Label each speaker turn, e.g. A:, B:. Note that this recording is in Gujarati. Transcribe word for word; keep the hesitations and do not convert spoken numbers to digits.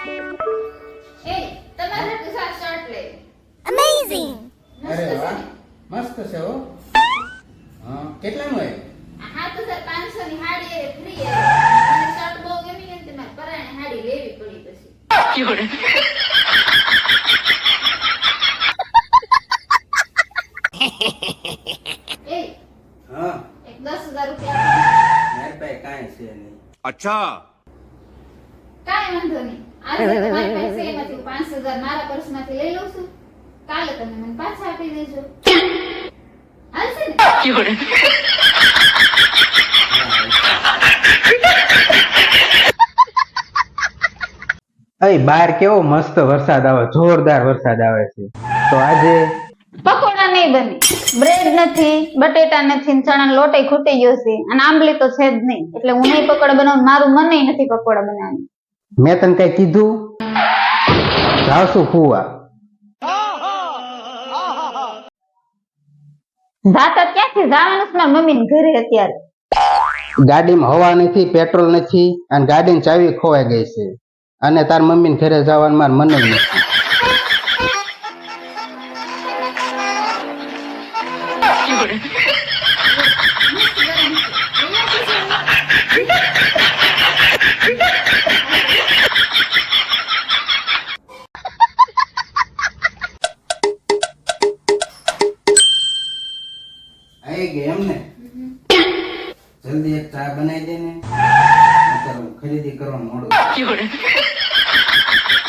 A: એ તમારે કસા શર્ટ લે
B: Amazing!
C: અરે વાહ મસ્ત છે હો હા કેટલાનો હે
A: હા તો સર પાંચસો ની હાડી એ ફ્રી એ મને શર્ટ બહુ ગમી ને તે મારે પરાણે હાડી લેવી પડી પછી એ
C: હા
A: એક દસ હજાર રૂપિયા આપો.
C: મારી પાસે કાંઈ છે નહીં
D: अच्छा
A: કાંઈ વાંધો નહીં આજે તમારી પાસે એમાંથી પાંચ હજાર મારા પર્સમાંથી લઈ લઉં છું કાલે તમે મને પાછા આપી દેજો હાલશે ને
C: અય બહાર કેવો મસ્ત વરસાદ આવે જોરદાર વરસાદ આવે છે તો આજે
A: પકોડા નહીં બને બ્રેડ નથી બટેટા નથી ને ચણા લોટ ખૂટી ગયો છે અને આંબલી તો છે જ નહીં એટલે હું નહીં પકોડા બનાવું મારું મન નથી પકોડા બનાવવાનું
C: મેં તને કઈ કીધું જાવશું ફુવા
A: જાતા ક્યાંથી જવાનું છે મારા મમ્મી ઘરે અત્યારે
C: ગાડીમાં હવા નથી પેટ્રોલ નથી અને ગાડીની ચાવી ખોવાઈ ગઈ છે અને તાર મમ્મીને ઘરે જવાનું માર મને નથી આઈ ગઈ એમ ને જલ્દી એક ચા બનાવી દે ને અત્યારે હું ખરીદી કરવા મોડું